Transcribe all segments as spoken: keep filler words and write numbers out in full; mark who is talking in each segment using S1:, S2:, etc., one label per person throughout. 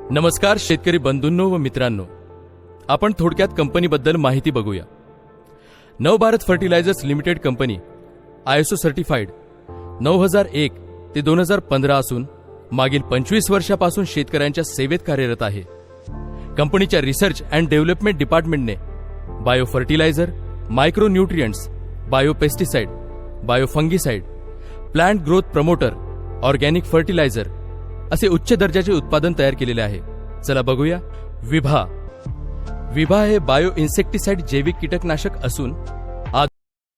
S1: नमस्कार शेतकरी बंधूंनो व मित्रांनो, आपण थोडक्यात कंपनीबद्दल माहिती बघूया. Navbharat fertilizers limited company ISO certified नऊ हजार एक ते दोन हजार पंधरा असून मागील पंचवीस वर्षापासून शेतकऱ्यांच्या सेवेत कार्यरत आहे. कंपनीच्या रिसर्च अँड डेव्हलपमेंट डिपार्टमेंटने bio fertilizer, micro nutrients, bio pesticide, bio fungicide, plant growth promoter, organic fertilizer असे उच्च दर्जाचे उत्पादन तयार केलेले आहे. चला बघूया. विभा विभा हे बायो इन्सेक्टिसाइड जैविक कीटकनाशक असून आज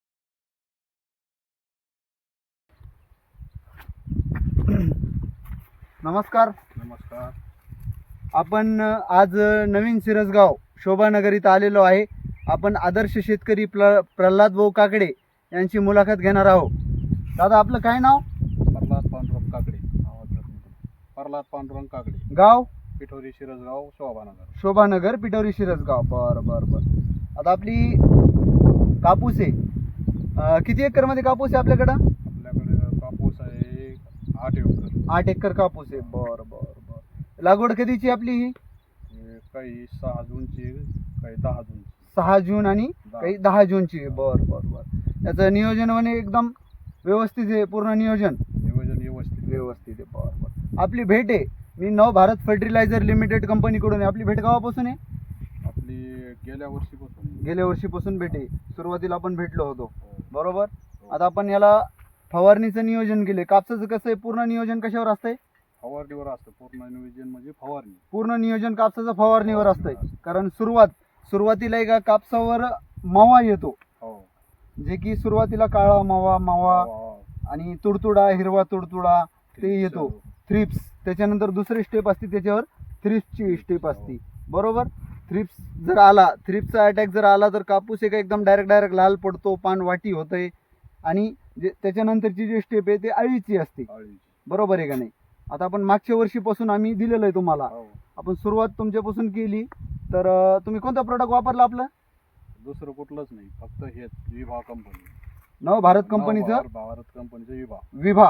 S2: नमस्कार.
S3: नमस्कार.
S2: आपण आज नवीन सिरसगाव शोभानगर इथं आलेलो आहे. आपण आदर्श शेतकरी प्र प्रल्हाद भाऊ काकडे यांची मुलाखत घेणार आहोत. दादा, आपलं काय नाव?
S3: प्रल्हाद पांडुरंग काकडे. प्रल्हाद पांडुरंग काकडे,
S2: गाव
S3: पिठोरी शिरसगाव, शोभानगर.
S2: शोभानगर, पिठोरी शिरसगाव. बरं बरं बरं. आता आपली कापूस आहे, अं, किती एकरमध्ये कापूस आहे आपल्याकडं?
S3: आपल्याकडे कापूस आहे आठ एकर.
S2: आठ एकर कापूस आहे. बरं बरं बरं. लागवड कधीची आपली ही?
S3: हे काही सहा जूनची, काही दहा जूनची.
S2: सहा जून आणि
S3: दहा.
S2: काही दहा जूनची आहे. बरं बरं बरं. याचं नियोजन म्हणे एकदम व्यवस्थित आहे, पूर्ण नियोजन
S3: नियोजन व्यवस्थित
S2: व्यवस्थित आहे. बरं बरं. आपली भेट आहे, मी नव भारत फर्टिलायझर लिमिटेड कंपनीकडून आहे. आपली भेट गावापासून आहे?
S3: आपली गेल्या वर्षीपासून.
S2: गेल्या वर्षीपासून भेट आहे. सुरुवातीला आपण भेटलो होतो,
S3: हो.
S2: बरोबर.
S3: हो.
S2: आता आपण याला फवारणीचं नियोजन केले. कापसाचं कसं आहे, पूर्ण नियोजन कशावर असतंय?
S3: फवारणीवर असतं. पूर्ण नियोजन म्हणजे फवारणी.
S2: पूर्ण नियोजन कापसाचं फवारणीवर असतंय. कारण सुरुवात सुरुवातीला एका कापसावर मावा येतो,
S3: हो.
S2: जे की सुरुवातीला काळा मावा मावा
S3: हो.
S2: आणि तुडतुडा, हिरवा तुडतुडा ते येतो,
S3: हो.
S2: थ्रिप्स. त्याच्यानंतर दुसरी स्टेप असते, त्याच्यावर थ्रिप्सची स्टेप असते, बरोबर. थ्रिप्स जर आला, थ्रिप्सचा अटॅक जर आला तर कापूस एक एकदम डायरेक्ट डायरेक्ट लाल पडतो, पान वाटी होतंय. आणि जे त्याच्यानंतरची जी स्टेप आहे ते अळीची असते,
S3: अळीची.
S2: बरोबर आहे का नाही? आता आपण मागच्या वर्षीपासून आम्ही दिलेलं आहे तुम्हाला.
S3: हो.
S2: आपण सुरुवात तुमच्यापासून केली, तर अं, तुम्ही कोणतं प्रोडक्ट वापरलं आपलं?
S3: दुसरं कुठलंच नाही, फक्त हेच विभा कंपनी.
S2: नव भारत कंपनीचं
S3: नव भारत कंपनीचं विभा.
S2: विभा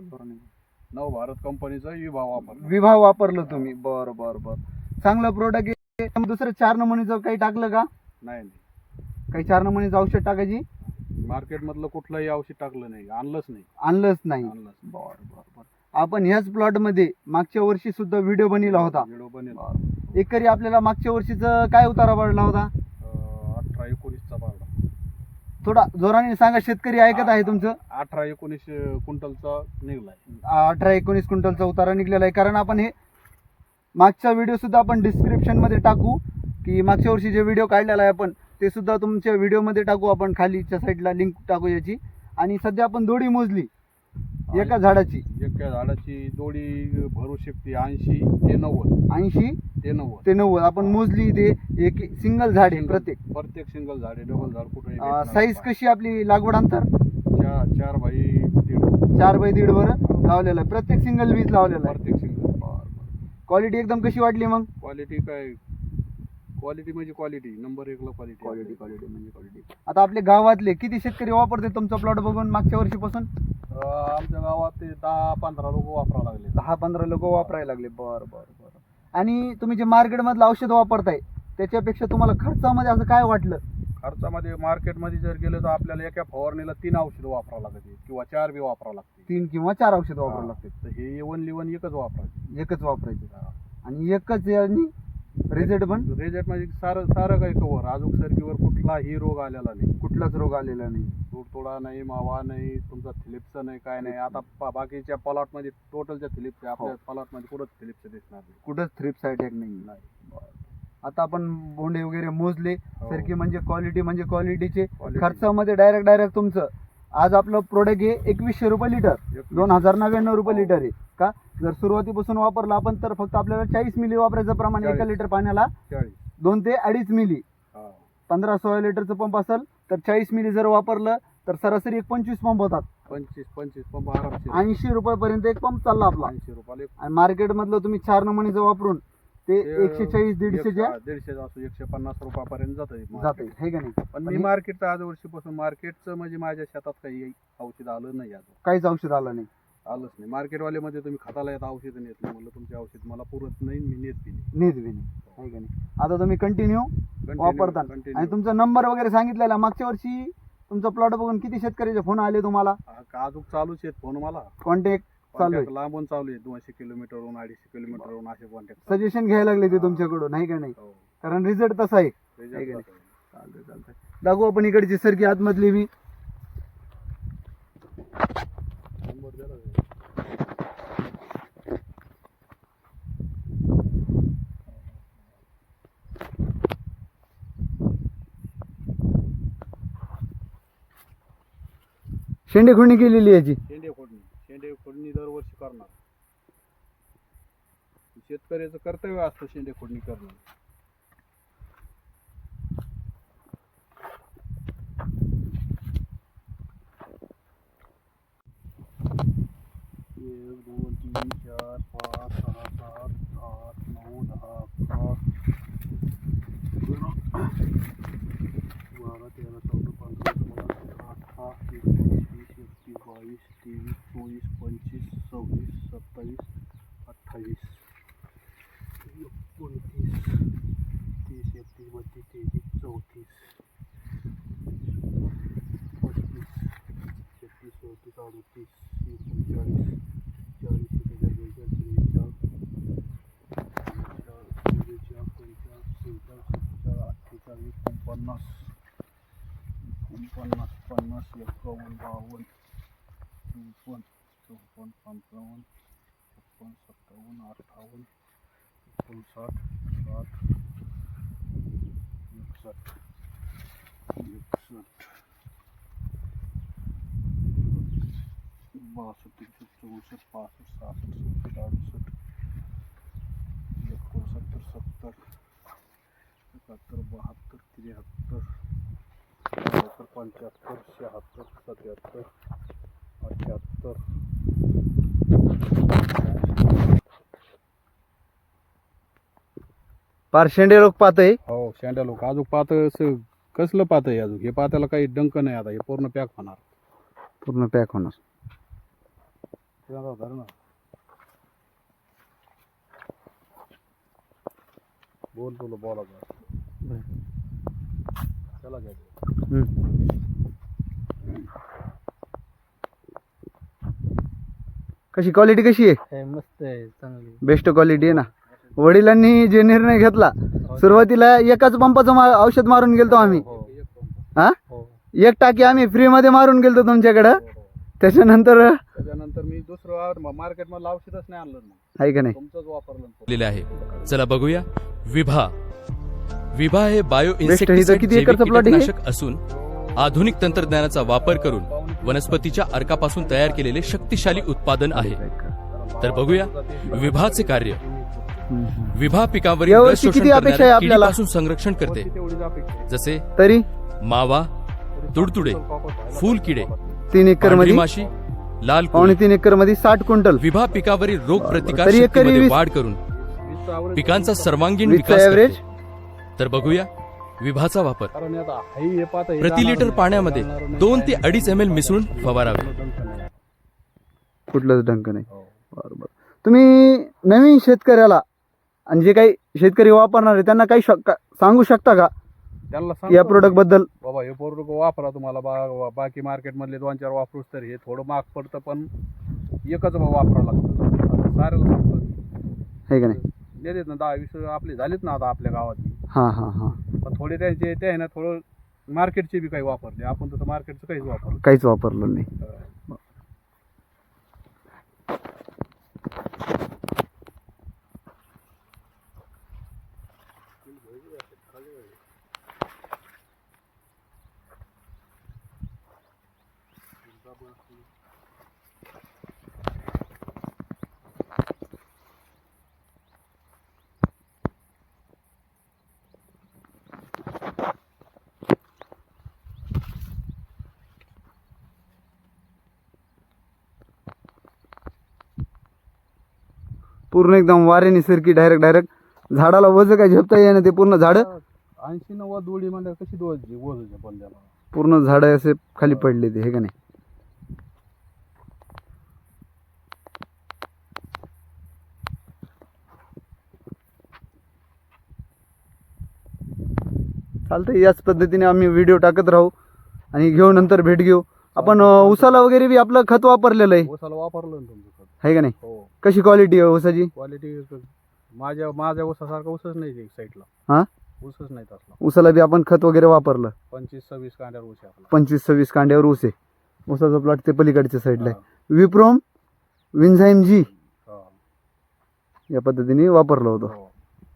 S3: नव भारत कंपनीचा विभा वापर.
S2: विभा वापरलं तुम्ही. बरं बरं बरं. चांगलं प्रोडक्ट आहे. दुसरं चार नमुनीचं काही टाकलं का?
S3: नाही नाही,
S2: काही चार नमुनीचं औषध टाकायची?
S3: मार्केटमधलं कुठलंही औषध टाकलं नाही, आणलंच नाही.
S2: आणलंच नाही.
S3: आणलंच नाही.
S2: बरं बरं बरं. आपण ह्याच प्लॉटमध्ये मागच्या वर्षी सुद्धा व्हिडिओ बनवला होता.
S3: व्हिडिओ बनेल.
S2: बरं. एकरी आपल्याला मागच्या वर्षीचं काय उतारा पडला होता?
S3: अं, अठरा एकोणीसचा पाडला.
S2: थोडा जोराने सांगा, शेतकरी ऐकत आहे तुमचं.
S3: अठरा एकोणीस क्विंटलचा निघलाय.
S2: अठरा एकोणीस क्विंटलचा उतारा निघलेला आहे. कारण आपण हे मागचा व्हिडिओ सुद्धा आपण डिस्क्रिप्शनमध्ये टाकू, की मागच्या वर्षी जे व्हिडिओ काढलेला आहे आपण ते सुद्धा तुमच्या व्हिडिओमध्ये टाकू. आपण खालीच्या साईडला लिंक टाकू याची. आणि सध्या आपण दोडी मोजली एका झाडाची.
S3: एका झाडाची दोडी भरू शकते ऐंशी ते नव्वद.
S2: ऐंशी
S3: ते नव्वद
S2: ते नव्वद आपण मोजली. ते एक सिंगल झाड आहे प्रत्येक.
S3: प्रत्येक सिंगल झाड आहे, डबल झाड कुठे.
S2: साईज कशी आपली लागवड अंतर?
S3: चार चार बाई दीड.
S2: चार बाय दीड वर लावलेलं आहे. प्रत्येक सिंगल वीज लावलेला आहे.
S3: प्रत्येक सिंगल.
S2: क्वालिटी एकदम कशी वाटली मग?
S3: क्वालिटी काय, क्वालिटी म्हणजे क्वालिटी नंबर एकला क्वालिटी.
S2: क्वालिटी क्वालिटी म्हणजे क्वालिटी. आता आपल्या गावातले किती शेतकरी वापरते तुमचा प्लॉट बघून मागच्या वर्षीपासून?
S3: आमच्या गावात ते दहा पंधरा लोक वापरावं लागले.
S2: दहा पंधरा लोक वापरायला लागले. बरं बरं बरं. आणि तुम्ही जे मार्केटमधलं औषध वापरताय त्याच्यापेक्षा तुम्हाला खर्चामध्ये असं काय वाटलं?
S3: खर्चामध्ये मार्केटमध्ये जर गेलं तर आपल्याला एका फवारणीला तीन औषधं वापरावं लागते किंवा चार बी वापरावं लागते.
S2: तीन किंवा चार औषध वापरावं लागते.
S3: तर हे वन लिवन एकच वापरायचे.
S2: एकच वापरायचे आणि एकच यांनी रिझल्ट पण.
S3: रिझल्ट म्हणजे सारं सारं काही कवर. अजून सरकीवर कुठलाही रोग आलेला नाही,
S2: कुठलाच रोग आलेला नाही.
S3: तुडतुडा नाही, मावा नाही, तुमचा थिलिप्स नाही, काय नाही. आता पा- बाकीच्या प्लॉटमध्ये टोटलच्या थिलिप्स, आपल्या प्लॉटमध्ये कुठंच थिलिप्स दिसणार नाही.
S2: कुठंच थ्रिप्स अटॅक नाही.
S3: नाही.
S2: आता आपण बोंडे वगैरे मोजले.
S3: हो.
S2: सरकी म्हणजे क्वालिटी म्हणजे क्वालिटीचे.
S3: Quality.
S2: खर्चामध्ये डायरेक्ट डायरेक्ट तुमचं आज आपलं प्रोडक्ट आहे एकवीसशे रुपये लिटर, दोन हजार नव्याण्णव रुपये लिटर आहे का? जर सुरुवातीपासून वापरलं आपण तर फक्त आपल्याला चाळीस मिली वापरायचं प्रमाण एका लिटर पाण्याला
S3: चाळीस
S2: दोन ते अडीच मिली.
S3: हा.
S2: पंधरा सोळा लिटरचं पंप असेल तर चाळीस मिली जर वापरलं तर सरासरी एक पंचवीस पंप होतात.
S3: पंचवीस पंचवीस पंप आरामशीर.
S2: ऐंशी रुपयापर्यंत एक पंप चालला आपला.
S3: ऐंशी रुपयाला.
S2: आणि मार्केटमधलं तुम्ही चार नमुनीचं वापरून ते
S3: ते
S2: एकशे चाळीस दीडशेच्या
S3: दीडशे असो एकशे पन्नास रुपयापर्यंत जात
S2: जाते, हे का नाही?
S3: पण मी मार्केटचं आज वर्षीपासून मार्केटचं म्हणजे माझ्या शेतात काही औषध आलं नाही अजून.
S2: काहीच औषध आलं नाही.
S3: आलंच नाही. मार्केटवाले मध्ये तुम्ही खताला येत औषध नेत नाही, म्हणलं तुमचे औषध मला पुरत नाही, मी नेत बी नाही.
S2: नेत बी नाही आहे का नाही. आता तुम्ही कंटिन्यू
S3: Continue-
S2: वापरता
S3: continue.
S2: आणि तुमचा नंबर वगैरे सांगितलेला. मागच्या वर्षी तुमचा प्लॉट बघून किती शेतकऱ्याचे फोन आले तुम्हाला?
S3: हा, अजून चालूच आहेत फोन मला.
S2: कॉन्टॅक्ट चालू आहे,
S3: Contact लांबून चालू आहे, दोनशे किलोमीटरवरून अडीचशे किलोमीटरवरून असे कॉन्टॅक्ट.
S2: सजेशन घ्यायला लागले ते तुमच्याकडून नाही का नाही. कारण रिझल्ट तसा आहे. आहे का नाही? चालतंय चालतंय. दाखवू आपण इकडची सरकी आतमधली बी. शेंडे खुडणी केलेली आहे याची.
S3: शेंडे फोडणी शेंडे फोडणी दरवर्षी करणार. शेतकऱ्याचं कर्तव्य असतं शेंडे फोडणी करणं. एक दोन तीन चार पाच सहा सात आठ नऊ दहा अकरा बारा तेरा चौदा पंधरा सोळा सतरा अठरा एकोणीस वीस एकवीस बावीस तेवीस चोवीस पंचवीस सव्वीस सत्तावीस अठ्ठावीस एकोणतीस तीस एकतीस बत्तीस तेहतीस चौतीस पस्तीस छत्तीस चौतीस अडतीस एकोणचाळीस चाळीस बेचाळीस बेचाळीस त्रेचाळीस चव्वेचाळीस पंचेचाळीस सेहेचाळीस सत्तेचाळीस अठ्ठेचाळीस एकोणपन्नास एकोणपन्नास पन्नास एकावन्न बावन्न चौपन्न चौपन्न पंचावन्न छप्पन्न सत्तावन्न अठ्ठावन्न एकोणसाठ साठ एकसष्ट एकसष्ट बासष्ट त्रेसष्ट चौसष्ट पासष्ट सहासष्ट सहासष्ट अडुसष्ट एकोणसत्तर सत्तर एकाहत्तर बहात्तर त्र्याहत्तर चौहत्तर पंच्याहत्तर शहात्तर सत्याहत्तर अठ्ठ्याहत्तर
S2: पार शेंडे लोक पाहत आहे.
S3: हो शेंड्या लोक अजून पात कसलं पात आहे अजून. हे पात्याला काही डंक नाही. आता हे पूर्ण पॅक होणार.
S2: पूर्ण पॅक होणार.
S3: बोल तुला बोला चला घ्या.
S2: कशी क्वालिटी कशी आहे?
S3: मस्त आहे, चांगली
S2: बेस्ट क्वालिटी आहे ना. वडिलांनी जे निर्णय घेतला सुरुवातीला एकाच पंपाचं मा औषध मारून गेलतो आम्ही. हा एक टाकी आम्ही फ्री मध्ये मारून गेलतो तुमच्याकडं. त्याच्यानंतर
S3: त्याच्यानंतर मी दुसरं मार्केट मधलं औषधच नाही आणलं.
S2: आहे का नाही.
S3: तुमचंच वापरलं.
S1: दिलेले आहे. चला बघूया. विभा विभा हे बायो
S2: Best आहे.
S1: इन्सेक्टिसाइड
S2: किती
S1: जैविक
S2: एकरचं plot आहे?
S1: कीटकनाशक असून आधुनिक तंत्रज्ञानाचा वापर करून वनस्पतीच्या अर्कापासून तयार केलेले शक्तिशाली उत्पादन आहे. तर बघूया विभाचे कार्य. विभा पिकावरील रस
S2: यावर्षी
S1: शोषण
S2: किती अपेक्षा आहे
S1: करणाऱ्या
S2: आपल्याला?
S1: किडीपासून संरक्षण करते.
S3: तेवढीच अपेक्षा आहे.
S1: जसे
S2: तरी
S1: मावा, तुडतुडे, फूल किडे,
S2: तीन एकर
S1: पांढरी
S2: मध्ये
S1: माशी, लाल
S2: पावणे
S1: कोळी.
S2: तीन एकर मध्ये साठ क्विंटल.
S1: विभा पिकावरील रोग प्रतिकार
S2: तरी एकरी
S1: शक्तीमध्ये
S2: वीस-
S1: वाढ करून
S3: वीसचं average
S1: पिकांचा सर्वांगीण
S2: वीसचा
S1: विकास
S2: ऍव्हरेज.
S1: करते. तर बघूया विभाचा वापर.
S3: कारण आता हाई हे पाहता हे
S1: प्रति
S3: जाणार
S1: लिटर
S3: नाही,
S1: पाण्यामध्ये
S3: जाणार नाही,
S1: दोन
S3: काय
S1: ते
S3: नाही.
S1: अडीच एम एल मिसळून फवारावे.
S3: डंक नाही.
S2: कुठलंच डंक नाही.
S3: हो.
S2: बरोबर. तुम्ही नवीन शेतकऱ्याला आणि जे काही शेतकरी वापरणार आहे त्यांना काही शक- सांगू शकता का
S3: त्यांना
S2: या
S3: सांगतो
S2: प्रोडक्ट बद्दल?
S3: बाबा हे प्रोडक्ट वापरा. तुम्हाला बा- बाकी मार्केट मधले दोन चार वापरूच तर हे थोडं महाग पडतं, पण एकच वापरा लागतं. आता साऱ्याला सांगतो
S2: आहे का नाही.
S3: देतात ना दहा वीस आपले झालेत ना आता आपल्या गावात.
S2: हा हा हा
S3: पण थोडे त्यांचे ते आहे ना थोडं मार्केटचे बी काही वापरले. आपण तसं मार्केटचं काहीच वापरलं.
S2: काहीच वापरलं नाही. पूर्ण एकदम वाऱ्याने सरकी डायरेक्ट डायरेक्ट झाडाला वज काय झेपता येईना. ते पूर्ण झाड
S3: ऐंशी नव्वद दोडी म्हणजे कशी दोज वजन पण त्याला.
S2: पूर्ण झाड असे खाली पडले ते. हे का नाही. चालतंय, याच पद्धतीने आम्ही व्हिडिओ टाकत राहू आणि घेऊ, नंतर भेट घेऊ आपण. अं, उसाला वगैरे बी आपलं खत वापरलेलं आहे,
S3: ऊसाला वापरलं ना तुमचं खत?
S2: आहे का नाही?
S3: हो.
S2: कशी क्वालिटी आहे ऊसाची?
S3: क्वालिटी माझ्या माझ्या ऊसासारखा ऊसच नाही एक साईडला.
S2: हा,
S3: ऊसच नाही तसला.
S2: ऊसाला बी आपण खत वगैरे वापरलं?
S3: पंचवीस सव्वीस कांड्यावर ऊस आहे आपला.
S2: पंचवीस सव्वीस कांड्यावर ऊस आहे. ऊसाचा प्लॉट ते पलीकडच्या साईडला
S3: हा.
S2: आहे. विप्रोम विन्झाईम जी
S3: हा.
S2: या पद्धतीने वापरलं होतं.
S3: हो.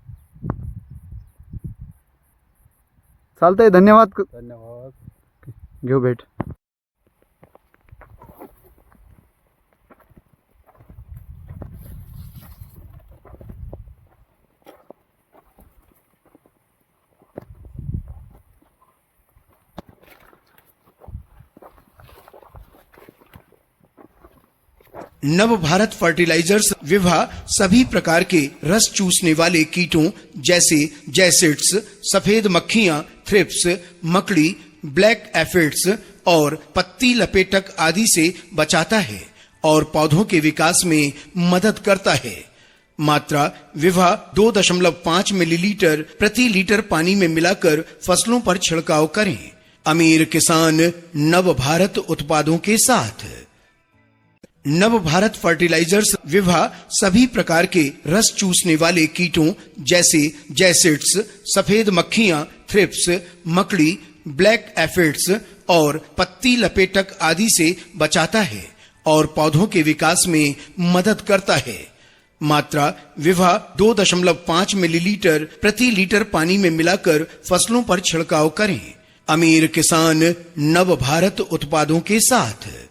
S2: चालतंय, धन्यवाद.
S3: धन्यवाद.
S2: घेऊ भेट.
S4: नव भारत फर्टिलाइजर्स विवाह सभी प्रकार के रस चूसने वाले कीटों जैसे जैसिड्स, सफेद मक्खियां, थ्रिप्स, मकड़ी, ब्लैक एफिड्स और पत्ती लपेटक आदि से बचाता है और पौधों के विकास में मदद करता है। मात्रा विवाह दो दशमलव पाँच मिलीलीटर प्रति लीटर पानी में मिलाकर फसलों पर छिड़काव करें। अमीर किसान नव भारत उत्पादों के साथ। नव भारत फर्टिलाइजर्स विवाह सभी प्रकार के रस चूसने वाले कीटों जैसे जैसिड्स, सफेद मक्खियां, थ्रिप्स, मकड़ी, ब्लैक एफिड्स और पत्ती लपेटक आदि से बचाता है और पौधों के विकास में मदद करता है। मात्रा विवाह दो दशमलव पाँच मिलीलीटर प्रति लीटर पानी में मिलाकर फसलों पर छिड़काव करें। अमीर किसान नव भारत उत्पादों के साथ।